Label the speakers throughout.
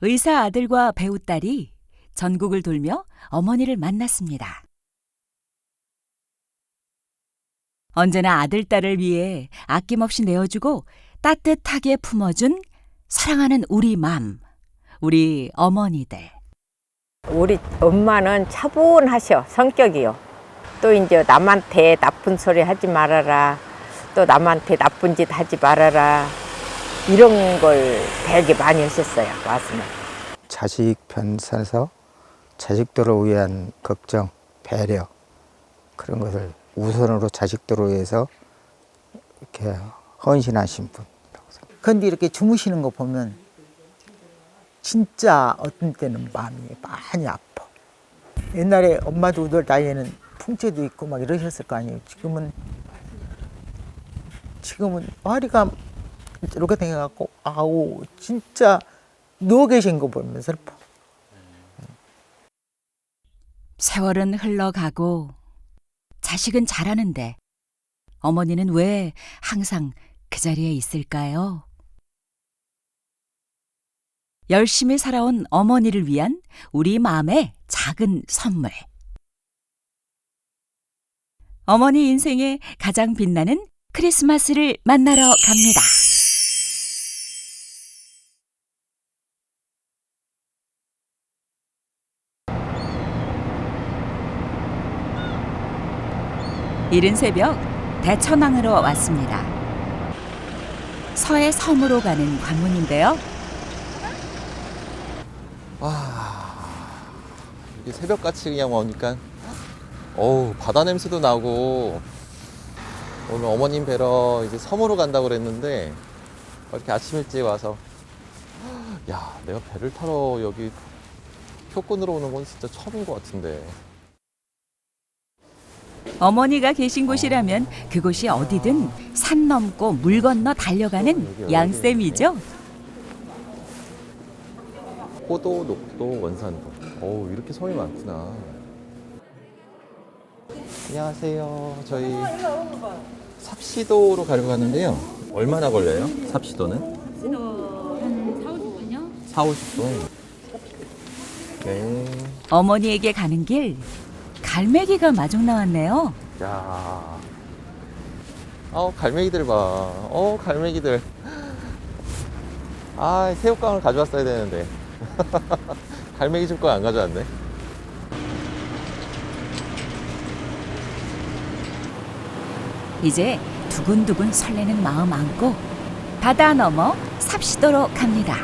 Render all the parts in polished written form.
Speaker 1: 의사 아들과 배우 딸이 전국을 돌며 어머니를 만났습니다. 언제나 아들, 딸을 위해 아낌없이 내어주고 따뜻하게 품어준 사랑하는 우리 맘, 우리 어머니들.
Speaker 2: 우리 엄마는 차분하셔, 성격이요. 또 이제 남한테 나쁜 소리 하지 말아라. 또 남한테 나쁜 짓 하지 말아라. 이런 걸 되게 많이 하셨어요, 와서는.
Speaker 3: 자식 편에서 자식들을 위한 걱정, 배려 그런 것을 우선으로 자식들을 위해서 이렇게 헌신하신 분.
Speaker 4: 근데 이렇게 주무시는 거 보면 진짜 어떤 때는 마음이 많이 아파. 옛날에 엄마도 늘 나이에는 풍채도 있고 막 이러셨을 거 아니에요. 지금은 허리가 이렇게 생겨갖고 아우 진짜 누워 계신 거 보면 슬퍼.
Speaker 1: 세월은 흘러가고 자식은 자라는데 어머니는 왜 항상 그 자리에 있을까요? 열심히 살아온 어머니를 위한 우리 마음의 작은 선물. 어머니 인생의 가장 빛나는 크리스마스를 만나러 갑니다. 이른 새벽 대천항으로 왔습니다. 서해 섬으로 가는 관문인데요.
Speaker 5: 이게 새벽같이 그냥 오니까 어우 바다 냄새도 나고 오늘 어머님 뵈러 이제 섬으로 간다고 그랬는데 이렇게 아침 일찍 와서 야 내가 배를 타러 여기 표권으로 오는 건 진짜 처음인 것 같은데.
Speaker 1: 어머니가 계신 곳이라면 그곳이 어디든 산 넘고 물 건너 달려가는 양쌤이죠.
Speaker 5: 호도, 녹도, 원산도. 어우 이렇게 섬이 많구나. 안녕하세요. 저희 삽시도로 가려고 하는데요. 얼마나 걸려요? 삽시도는?
Speaker 6: 삽시도 한 4, 50분요?
Speaker 5: 4, 50분. 네.
Speaker 1: 어머니에게 가는 길 갈매기가 마중 나왔네요.
Speaker 5: 야. 갈매기들 봐. 갈매기들. 아, 새우깡을 가져왔어야 되는데. 갈매기 줄 거 안 가져왔네.
Speaker 1: 이제 두근두근 설레는 마음 안고 바다 넘어 삽시도로 갑니다.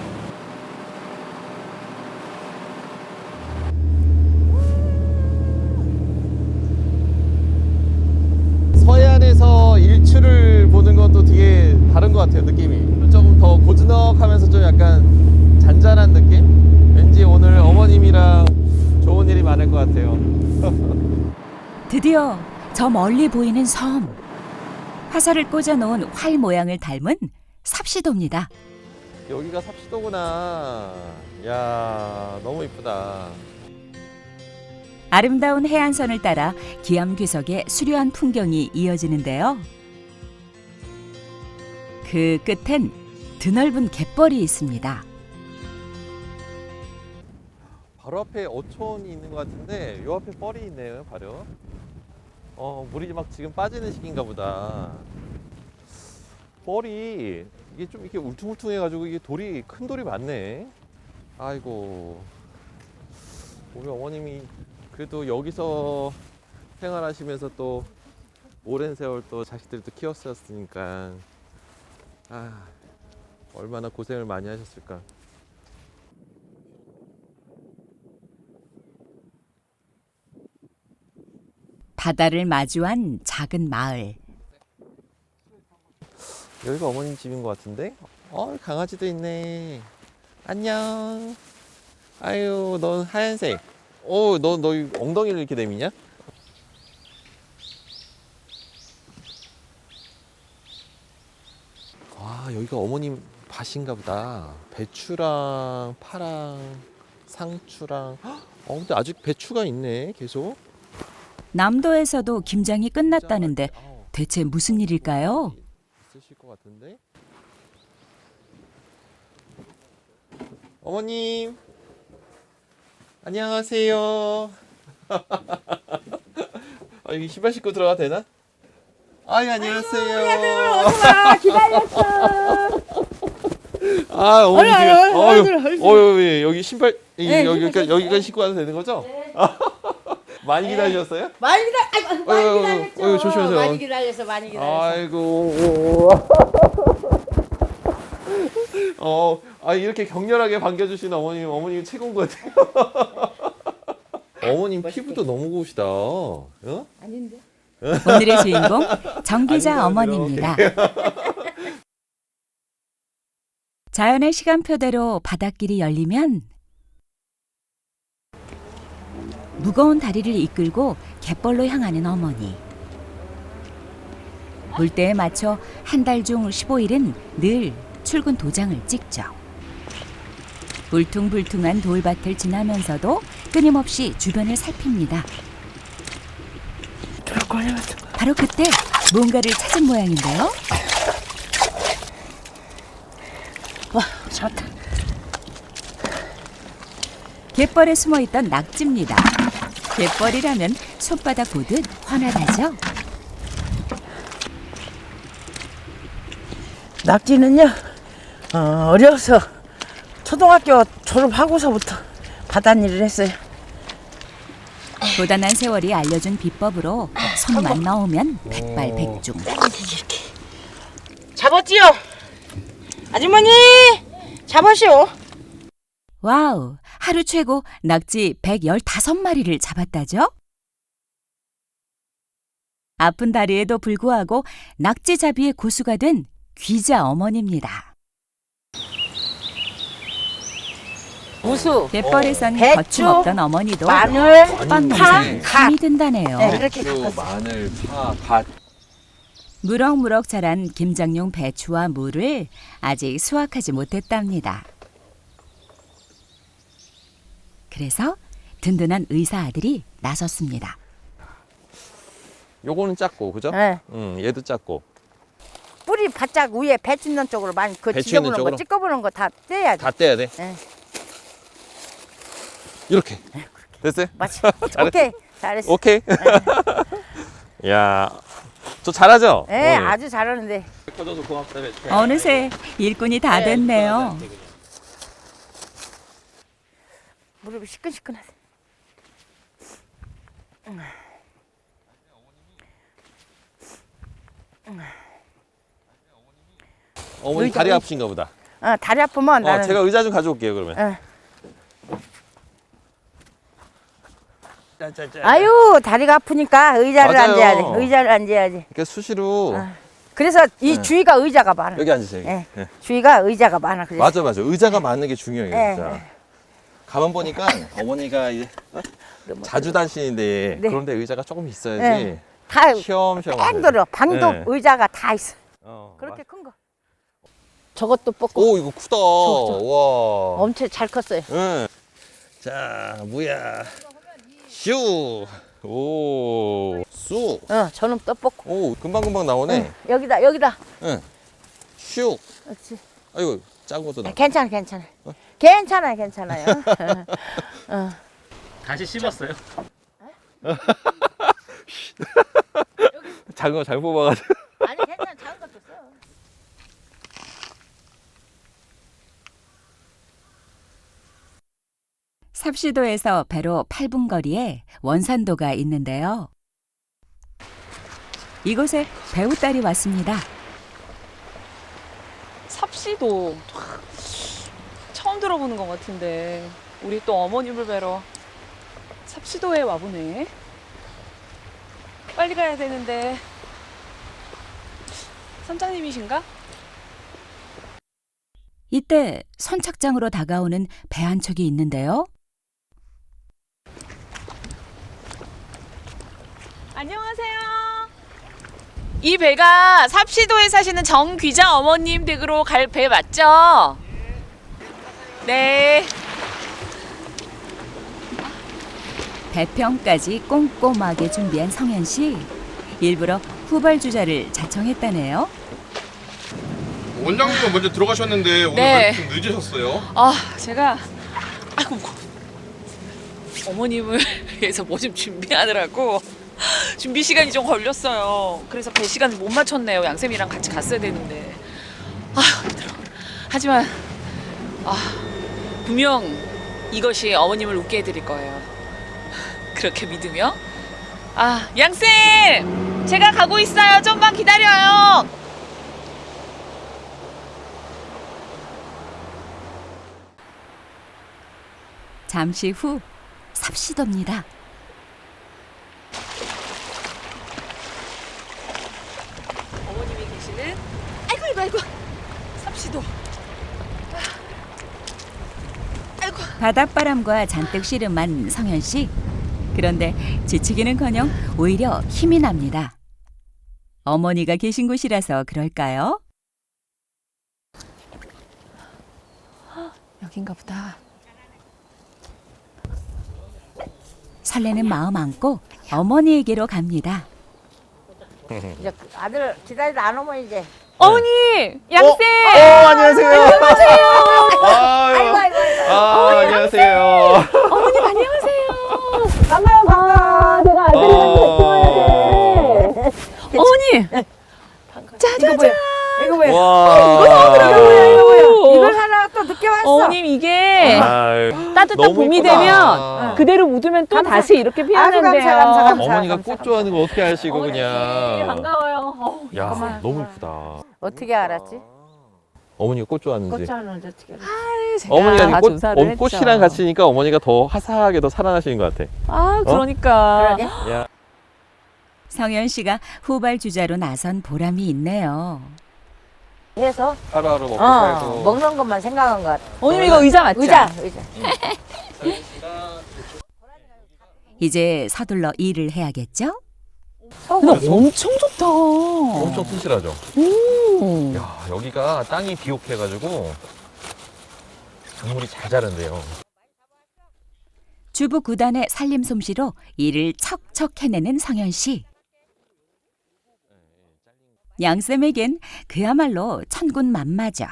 Speaker 5: 서해안에서 일출을 보는 것도 되게 다른 것 같아요, 느낌이. 조금 더 고즈넉하면서 좀 약간 잔잔한 느낌? 왠지 오늘 어머님이랑 좋은 일이 많을 것 같아요.
Speaker 1: 드디어 저 멀리 보이는 섬. 화살을 꽂아놓은 활 모양을 닮은 삽시도입니다.
Speaker 5: 여기가 삽시도구나. 야, 너무 이쁘다.
Speaker 1: 아름다운 해안선을 따라 기암괴석의 수려한 풍경이 이어지는데요. 그 끝엔 드넓은 갯벌이 있습니다.
Speaker 5: 바로 앞에 어촌이 있는 것 같은데 요 앞에 뻘이 있네요, 바로. 물이 막 지금 빠지는 시기인가 보다. 뻘이 이게 좀 이렇게 울퉁불퉁해가지고 이게 큰 돌이 많네. 아이고, 우리 어머님이 그래도 여기서 생활하시면서 또 오랜 세월 또 자식들도 키웠었으니까 얼마나 고생을 많이 하셨을까.
Speaker 1: 바다를 마주한 작은 마을.
Speaker 5: 여기가 어머님 집인 것 같은데? 강아지도 있네. 안녕. 아유, 넌 하얀색. 너 엉덩이를 이렇게 내미냐? 여기가 어머님 밭인가 보다. 배추랑 파랑 상추랑. 근데 아직 배추가 있네, 계속.
Speaker 1: 남도에서도 김장이 끝났다는데 대체 무슨 일일까요?
Speaker 5: 있으실 것 같은데? 어머님 안녕하세요. 여기 신발 신고 들어가도 되나? 아이 안녕하세요.
Speaker 2: 기다렸어.
Speaker 5: 아 어머니 지금 여기 신발 여기까지 신고 와도 되는 거죠? 많이 기다리셨어요?
Speaker 2: 많이 기다렸죠.
Speaker 5: 조심하세요.
Speaker 2: 많이 기다렸어.
Speaker 5: 아이고. 이렇게 격렬하게 반겨주시는 어머님 최고인 것 같아요. 어머님 피부도 너무 고우시다. 어?
Speaker 2: 아닌데.
Speaker 1: 오늘의 주인공 정기자 어머니입니다. 자연의 시간표대로 바닷길이 열리면 무거운 다리를 이끌고 갯벌로 향하는 어머니. 물때에 맞춰 한 달 중 15일은 늘 출근 도장을 찍죠. 울퉁불퉁한 돌밭을 지나면서도 끊임없이 주변을 살핍니다. 바로 그때 뭔가를 찾은 모양인데요.
Speaker 2: 와, 잡았다.
Speaker 1: 갯벌에 숨어있던 낙지입니다. 갯벌이라면 손바닥 보듯 환하다죠.
Speaker 7: 낙지는요, 어려서 초등학교 졸업하고서부터 바닷일을 했어요.
Speaker 1: 고단한 세월이 알려준 비법으로 손만 넣으면 백발백중.
Speaker 7: 잡았지요? 아주머니, 잡으시오.
Speaker 1: 와우, 하루 최고 낙지 115마리를 잡았다죠? 아픈 다리에도 불구하고 낙지잡이의 고수가 된 귀자 어머니입니다.
Speaker 2: 무수.
Speaker 1: 갯벌에선
Speaker 7: 배추,
Speaker 1: 거침없던 어머니도
Speaker 7: 마늘,
Speaker 1: 헛반
Speaker 7: 파,
Speaker 1: 농사에
Speaker 7: 갓.
Speaker 1: 힘이 든다네요.
Speaker 7: 네, 그렇게
Speaker 5: 배추,
Speaker 7: 깎았어요.
Speaker 5: 마늘, 파, 갓.
Speaker 1: 무럭무럭 자란 김장용 배추와 무를 아직 수확하지 못했답니다. 그래서 든든한 의사 아들이 나섰습니다.
Speaker 5: 요거는 작고 그죠?
Speaker 7: 네.
Speaker 5: 얘도 작고.
Speaker 7: 뿌리 바짝 위에 배추 있는 쪽으로 많이 그
Speaker 5: 배추 있는
Speaker 7: 지저분한
Speaker 5: 쪽으로?
Speaker 7: 거 찌꺼부는 거 다 떼야지.
Speaker 5: 다 떼야 돼.
Speaker 7: 네.
Speaker 5: 이렇게. 됐어요?
Speaker 7: 맞지?
Speaker 5: 잘했어.
Speaker 7: 오케이, 잘했어.
Speaker 5: 오케이. 야, 저 잘하죠?
Speaker 7: 네,
Speaker 5: 어머니?
Speaker 7: 아주 잘하는데.
Speaker 5: 커져서 고맙다.
Speaker 1: 어느새 일꾼이 다 됐네요.
Speaker 7: 무릎이 시끈시끈하네.
Speaker 5: 어머니 다리 아프신가 보다.
Speaker 7: 다리 아프면 나는.
Speaker 5: 제가 의자 좀 가져올게요 그러면.
Speaker 7: 어.
Speaker 5: 짠짠짠.
Speaker 7: 아유, 다리가 아프니까 의자를
Speaker 5: 맞아요.
Speaker 7: 앉아야 돼. 의자를 앉아야지.
Speaker 5: 그러니까 수시로
Speaker 7: 그래서 이
Speaker 5: 네.
Speaker 7: 주위가 의자가 많아.
Speaker 5: 여기 앉으세요. 여기.
Speaker 7: 네.
Speaker 5: 네.
Speaker 7: 주위가 의자가 많아. 그래서.
Speaker 5: 맞아. 의자가 많은 게 중요해요
Speaker 7: 네,
Speaker 5: 진짜.
Speaker 7: 네.
Speaker 5: 가만 보니까 어머니가 이제 자주 다니시는데
Speaker 7: 네.
Speaker 5: 그런데 의자가 조금 있어야지.
Speaker 7: 네. 다
Speaker 5: 시험시험.
Speaker 7: 뺑 돌아. 방도
Speaker 5: 네.
Speaker 7: 의자가 다 있어. 그렇게 큰 거. 저것도 뽑고
Speaker 5: 오 이거 크다. 와.
Speaker 7: 엄청 잘 컸어요.
Speaker 5: 응. 자 뭐야. 슈. 오. 쑥.
Speaker 7: 저놈 또 뽑고.
Speaker 5: 오 금방 나오네.
Speaker 7: 여기다.
Speaker 5: 응. 슉.
Speaker 7: 그렇지.
Speaker 5: 아이고 작은 것도 나.
Speaker 7: 괜찮아. 괜찮아요.
Speaker 8: 다시 씹었어요?
Speaker 5: 작은 거 잘 뽑아가지고.
Speaker 7: 아니, 괜찮아. 작은 것도 써.
Speaker 1: 삽시도에서 배로 8분 거리에 원산도가 있는데요. 이곳에 배우딸이 왔습니다.
Speaker 9: 삽시도 처음 들어보는 것 같은데 우리 또 어머님을 뵈러 삽시도에 와보네. 빨리 가야 되는데 선장님이신가?
Speaker 1: 이때 선착장으로 다가오는 배 한 척이 있는데요.
Speaker 9: 안녕하세요. 이 배가 삽시도에 사시는 정귀자 어머님 댁으로 갈 배 맞죠? 네.
Speaker 1: 배평까지 꼼꼼하게 준비한 성현 씨. 일부러 후발주자를 자청했다네요.
Speaker 7: 원장님은 먼저 들어가셨는데 오늘
Speaker 9: 네.
Speaker 7: 좀 늦으셨어요.
Speaker 9: 제가 아이고 어머님을 위해서 뭐 좀 준비하느라고 준비 시간이 좀 걸렸어요. 그래서 배 시간을 못 맞췄네요. 양쌤이랑 같이 갔어야 되는데. 힘들어. 하지만 분명 이것이 어머님을 웃게 해드릴 거예요. 그렇게 믿으며. 양쌤! 제가 가고 있어요. 좀만 기다려요.
Speaker 1: 잠시 후 삽시도입니다.
Speaker 9: 어머님이 계시는 아이고 삽시도.
Speaker 1: 바닷바람과 잔뜩 씨름한 성현 씨. 그런데 지치기는커녕 오히려 힘이 납니다. 어머니가 계신 곳이라서 그럴까요?
Speaker 9: 여긴가 보다.
Speaker 1: 설레는 마음 안고 어머니에게로 갑니다.
Speaker 2: 이제 아들 기다리다 안 오면 이제
Speaker 9: 어머니! 양쌤!
Speaker 5: 안녕하세요.
Speaker 2: 아이고 아이고
Speaker 5: 안녕하세요.
Speaker 9: 어머님 안녕하세요.
Speaker 2: 반가워. 내가 아들이랑
Speaker 9: 어머니! 짜자잔!
Speaker 2: 이거 뭐야?
Speaker 5: 와.
Speaker 2: 이걸 하나 또 늦게 왔어.
Speaker 9: 어머님 이게 따뜻한
Speaker 5: 너무
Speaker 9: 봄이
Speaker 5: 이쁘다.
Speaker 9: 되면 그대로 묻으면 또 다시 이렇게 피어난대요.
Speaker 2: 감사.
Speaker 5: 어머니가 꽃 좋아하는 거 어떻게 아시고 그냥.
Speaker 9: 반가워요.
Speaker 5: 야, 너무 이쁘다.
Speaker 2: 어떻게 알았지?
Speaker 5: 어머니가 꽃 좋아하는지.
Speaker 2: 꽃차는 어떻게 알았지?
Speaker 5: 어머니가
Speaker 9: 다
Speaker 5: 꽃,
Speaker 9: 조사를 했죠.
Speaker 5: 꽃이랑 같이니까 어머니가 더 화사하게 더 살아나시는 것 같아.
Speaker 9: 그러니까.
Speaker 2: 그러게.
Speaker 5: 야.
Speaker 1: 성현 씨가 후발주자로 나선 보람이 있네요.
Speaker 2: 해서
Speaker 5: 하루하루 먹고 살고.
Speaker 2: 먹는 것만 생각한 것 같아.
Speaker 9: 어머님 이거 의자 맞죠?
Speaker 2: 의자.
Speaker 1: 이제 서둘러 일을 해야겠죠?
Speaker 9: 근데 엄청 좋다.
Speaker 5: 엄청 튼실하죠? 야, 여기가 땅이 비옥해가지고 작물이 잘 자란대요.
Speaker 1: 주부 9단의 살림 솜씨로 일을 척척 해내는 성현 씨. 양쌤에겐 그야말로 천군만마죠.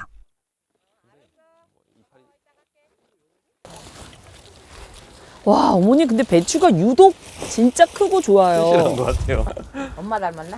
Speaker 9: 와 어머니 근데 배추가 유독 진짜 크고 좋아요.
Speaker 5: 튼실한 것 같아요.
Speaker 2: 엄마 닮았나?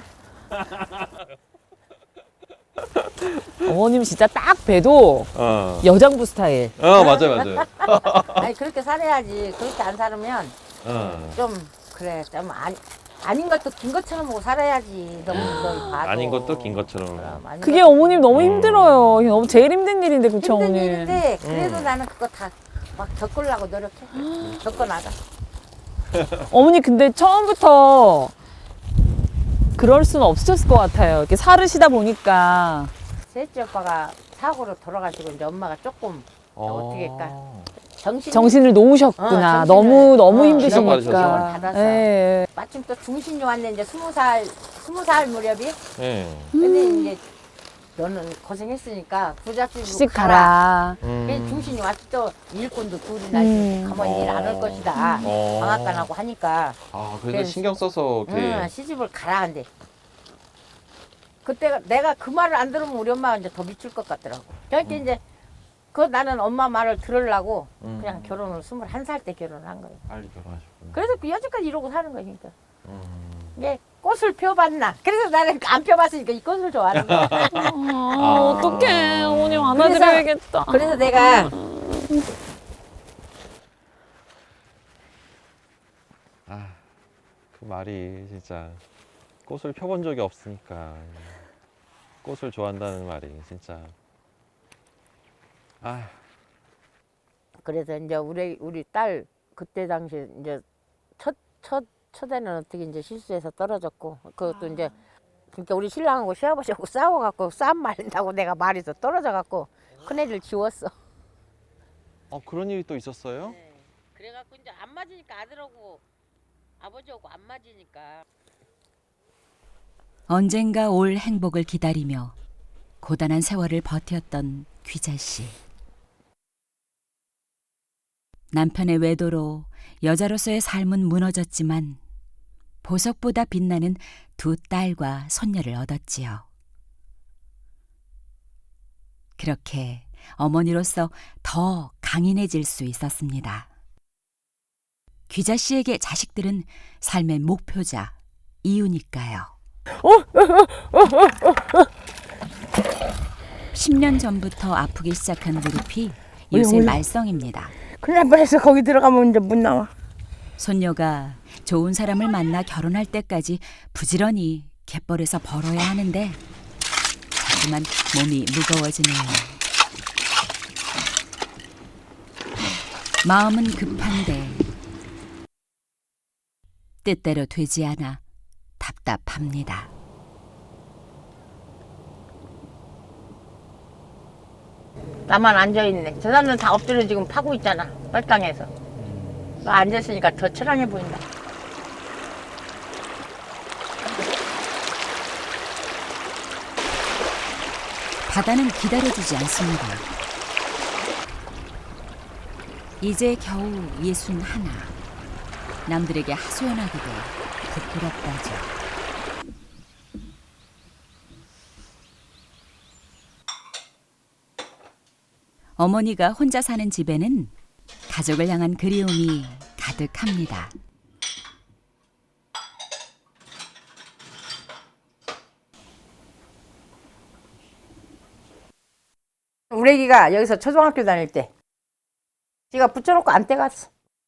Speaker 9: 어머님 진짜 딱 배도
Speaker 5: 어,
Speaker 9: 여장부 스타일.
Speaker 5: 맞아요.
Speaker 2: 아니 그렇게 살아야지. 그렇게 안 살으면 좀 그래 좀 아닌 것도 긴 것처럼 보고 살아야지. 너무 봐도.
Speaker 5: 아닌 것도 긴 것처럼.
Speaker 2: 그럼 아닌
Speaker 9: 그게
Speaker 2: 것도
Speaker 9: 어머님 너무 힘들어요. 너무 제일 힘든 일인데 그쵸
Speaker 2: 힘든
Speaker 9: 어머님.
Speaker 2: 일인데 그래도 나는 그거 다 막 겪으려고 노력해. 겪어나가.
Speaker 9: 어머니 근데 처음부터 그럴 수는 없으셨을 것 같아요. 이렇게 살으시다 보니까.
Speaker 2: 셋째 오빠가 사고로 돌아가시고 이제 엄마가 조금 어떻게 할까?
Speaker 9: 정신을 놓으셨구나.
Speaker 2: 정신을-
Speaker 9: 너무
Speaker 2: 기운
Speaker 9: 힘드시니까.
Speaker 2: 받아서.
Speaker 9: 예.
Speaker 2: 마침 또 중신이 왔네 이제 20살 무렵이.
Speaker 5: 네.
Speaker 2: 근데 이제 너는 고생했으니까 부잣집으로
Speaker 9: 시집
Speaker 2: 가라.
Speaker 9: 가라.
Speaker 2: 그래서 중신이 와서 또 일꾼도 둘이나 있으니까 가만히 일 안 할 것이다. 방앗간하고 하니까
Speaker 5: 그래도
Speaker 2: 그래서-
Speaker 5: 신경 써서 이렇게.
Speaker 2: 시집을 가라 한대. 그때 내가 그 말을 안 들으면 우리 엄마가 이제 더 미칠 것 같더라고. 그러니까 이제 나는 엄마 말을 들으려고 그냥 결혼을 21살 때 결혼을 한 거예요.
Speaker 5: 빨리 결혼하셨구나.
Speaker 2: 그래서 그 여지까지 이러고 사는 거니까. 이게 꽃을 펴봤나. 그래서 나는 안 펴봤으니까 이 꽃을 좋아하는 거야.
Speaker 9: 어떡해. 어머님
Speaker 2: 그래서-
Speaker 9: 안아드려야겠다.
Speaker 2: 그래서 내가
Speaker 5: 그 말이 진짜 꽃을 펴본 적이 없으니까 꽃을 좋아한다는 말이 진짜.
Speaker 2: 그래서 이제 우리 딸 그때 당시 이제 첫애는 어떻게 이제 실수해서 떨어졌고 그것도 이제 그러니까 우리 신랑하고 시아버지하고 싸워갖고 싸움 말린다고 내가 말해서 떨어져갖고 큰애를 지웠어.
Speaker 5: 그런 일이 또 있었어요?
Speaker 2: 네. 그래갖고 이제 안 맞으니까 아들하고 아버지하고 안 맞으니까.
Speaker 1: 언젠가 올 행복을 기다리며 고단한 세월을 버텼던 귀자 씨. 남편의 외도로 여자로서의 삶은 무너졌지만 보석보다 빛나는 두 딸과 손녀를 얻었지요. 그렇게 어머니로서 더 강인해질 수 있었습니다. 귀자 씨에게 자식들은 삶의 목표자, 이유니까요. 10년 전부터 아프기 시작한 무릎이 요새 말썽입니다.
Speaker 7: 큰일 날 뻔했어. 거기 들어가면 이제 못 나와.
Speaker 1: 손녀가 좋은 사람을 만나 결혼할 때까지 부지런히 갯벌에서 벌어야 하는데 자꾸만 몸이 무거워지네요. 마음은 급한데 뜻대로 되지 않아 답답합니다.
Speaker 7: 나만 앉아있네. 저 사람들은 다 엎드려 지금 파고 있잖아. 빨강에서. 나 앉아있으니까 더 처량해 보인다.
Speaker 1: 바다는 기다려주지 않습니다. 이제 겨우 61. 남들에게 하소연하기도 부끄럽다죠. 어머니가 혼자 사는 집에는 가족을 향한 그리움이 가득합니다.
Speaker 7: 우리 애기가 여기서 초등학교 다닐 때 지가 붙여놓고 안 떼갔어.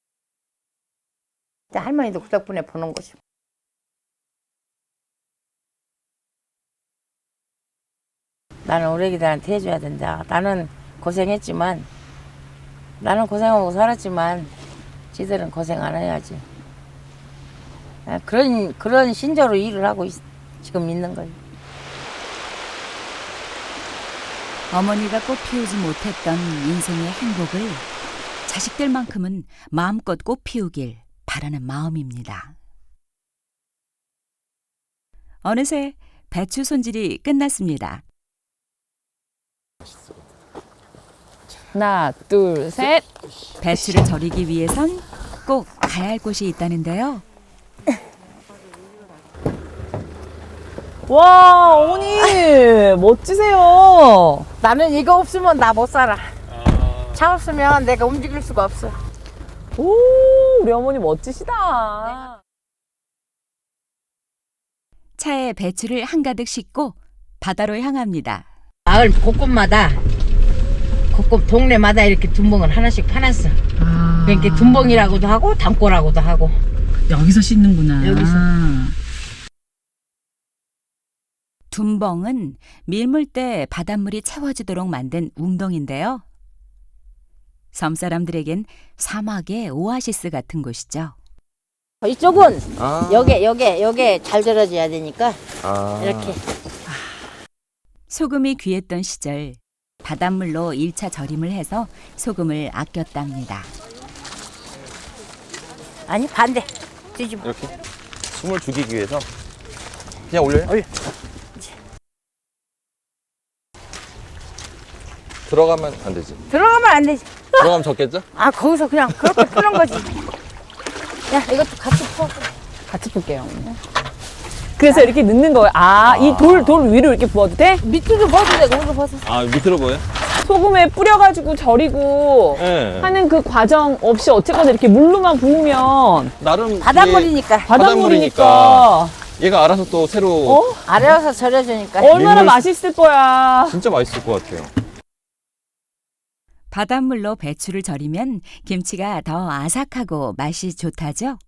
Speaker 7: 할머니도 그 덕분에 보는 거지. 나는 우리 애기들한테 해줘야 된다. 나는 고생했지만, 나는 고생하고 살았지만 지들은 고생 안 해야지. 그런 신조로 일을 하고 지금 있는 거예요.
Speaker 1: 어머니가 꽃 피우지 못했던 인생의 행복을 자식들만큼은 마음껏 꽃 피우길 바라는 마음입니다. 어느새 배추 손질이 끝났습니다.
Speaker 9: 하나, 둘, 셋.
Speaker 1: 배추를 절이기 위해선 꼭 가야 할 곳이 있다는데요.
Speaker 9: 와, 어머니 멋지세요.
Speaker 7: 나는 이거 없으면 나 못 살아. 차 없으면 내가 움직일 수가 없어.
Speaker 9: 오, 우리 어머니 멋지시다.
Speaker 1: 차에 배추를 한가득 싣고 바다로 향합니다.
Speaker 7: 마을 곳곳마다 동네마다 이렇게 둔벙을 하나씩 파놨어. 그러니까 둔벙이라고도 하고 담고라고도 하고.
Speaker 9: 여기서 씻는구나.
Speaker 7: 여기서.
Speaker 1: 둔벙은 밀물 때 바닷물이 채워지도록 만든 웅덩인데요. 섬 사람들에겐 사막의 오아시스 같은 곳이죠.
Speaker 7: 이쪽은 요게 잘 절여져야 되니까 이렇게.
Speaker 1: 소금이 귀했던 시절 바닷물로 1차 절임을 해서 소금을 아꼈답니다.
Speaker 7: 아니 반대 뒤집어.
Speaker 5: 이렇게 숨을 죽이기 위해서 그냥 올려요?
Speaker 7: 올려.
Speaker 5: 들어가면 안 되지.
Speaker 7: 들어가면 안 되지.
Speaker 5: 들어가면 적겠죠?
Speaker 7: 아 거기서 그냥 그렇게 푸는 거지. 야 이것도 같이 푸.
Speaker 9: 같이 볼게요. 그래서 이렇게 넣는 거예요. 이 돌 위로 이렇게 부어도 돼?
Speaker 7: 밑으로 벗어도 되고 위로 벗어.
Speaker 5: 아, 밑으로 보여?
Speaker 9: 소금에 뿌려가지고 절이고
Speaker 5: 네.
Speaker 9: 하는 그 과정 없이 어쨌거나 이렇게 물로만 부으면
Speaker 5: 나름
Speaker 7: 바닷물이니까.
Speaker 9: 바닷물이니까
Speaker 5: 얘가 알아서 또 새로
Speaker 7: 아래에서 절여주니까.
Speaker 9: 얼마나
Speaker 5: 민물-
Speaker 9: 맛있을 거야.
Speaker 5: 진짜 맛있을 것 같아요.
Speaker 1: 바닷물로 배추를 절이면 김치가 더 아삭하고 맛이 좋다죠.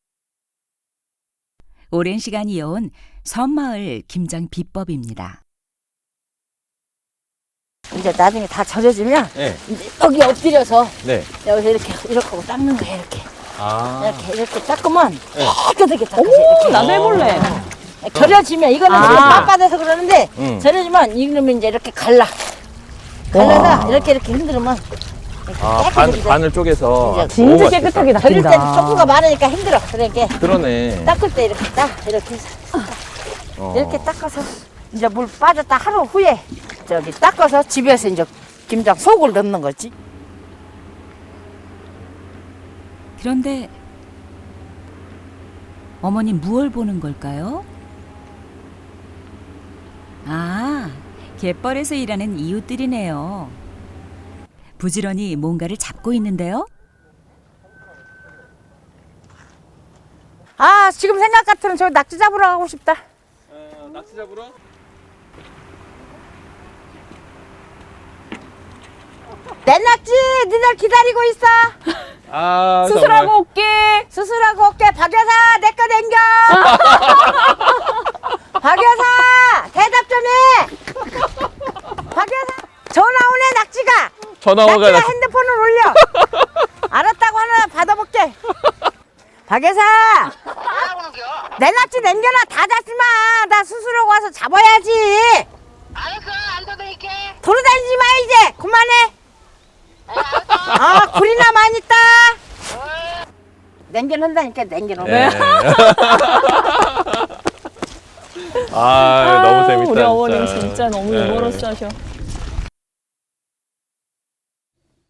Speaker 1: 오랜 시간 이어온 섬마을 김장 비법입니다.
Speaker 7: 이제 나중에 다 절여지면
Speaker 5: 네.
Speaker 7: 이제 여기 엎드려서
Speaker 5: 네.
Speaker 7: 여기서 이렇게 하고 닦는 거야 이렇게.
Speaker 5: 아.
Speaker 7: 이렇게 닦으면
Speaker 5: 네.
Speaker 7: 깨끗하게 닦아서
Speaker 9: 어머,
Speaker 7: 이렇게.
Speaker 9: 나도 해볼래.
Speaker 7: 절여지면 이거는 지금 빳빳해서 그러는데 절여지면 이러면 이제 이렇게 갈라서 이렇게 흔들면
Speaker 5: 반을 쪼개서.
Speaker 9: 진짜
Speaker 5: 너무
Speaker 9: 깨끗하게
Speaker 5: 맛있겠다.
Speaker 7: 절일 때는
Speaker 9: 닦인다.
Speaker 7: 쪽구가 많으니까 힘들어. 그러니까
Speaker 5: 그러네.
Speaker 7: 닦을 때 이렇게 이렇게 해서
Speaker 5: 어.
Speaker 7: 이렇게 닦아서 이제 물 빠졌다 하루 후에 저기 닦아서 집에서 이제 김장 속을 넣는 거지.
Speaker 1: 그런데 어머니 무얼 보는 걸까요? 갯벌에서 일하는 이웃들이네요. 부지런히 뭔가를 잡고 있는데요.
Speaker 7: 아 지금 생각 같으면 저 낙지 잡으러 가고 싶다.
Speaker 5: 낙지 잡으러?
Speaker 7: 내 낙지 니들 기다리고 있어.
Speaker 5: 아,
Speaker 9: 수술하고 올게.
Speaker 7: 수술하고 올게. 박 여사 내 거 댕겨. 박 여사 대답 좀 해. 박 여사 전화 오네 낙지가.
Speaker 5: 전화가
Speaker 7: 낙지가 핸드폰을 올려. 알았다고 하나 받아볼게. 박 여사 내 낙지 남겨놔. 다 잡지 마. 나 수술하고 와서 잡아야지.
Speaker 8: 알았어, 안 떠들게.
Speaker 7: 돌아다니지 마 이제. 그만해. 아 굴이나 많이 있다. 남겨놓는다니까 남겨놓는.
Speaker 5: 네. 아, 너무 재밌다.
Speaker 9: 우리 어머님
Speaker 5: 진짜.
Speaker 9: 진짜 너무
Speaker 5: 네.
Speaker 9: 유머러스하셔.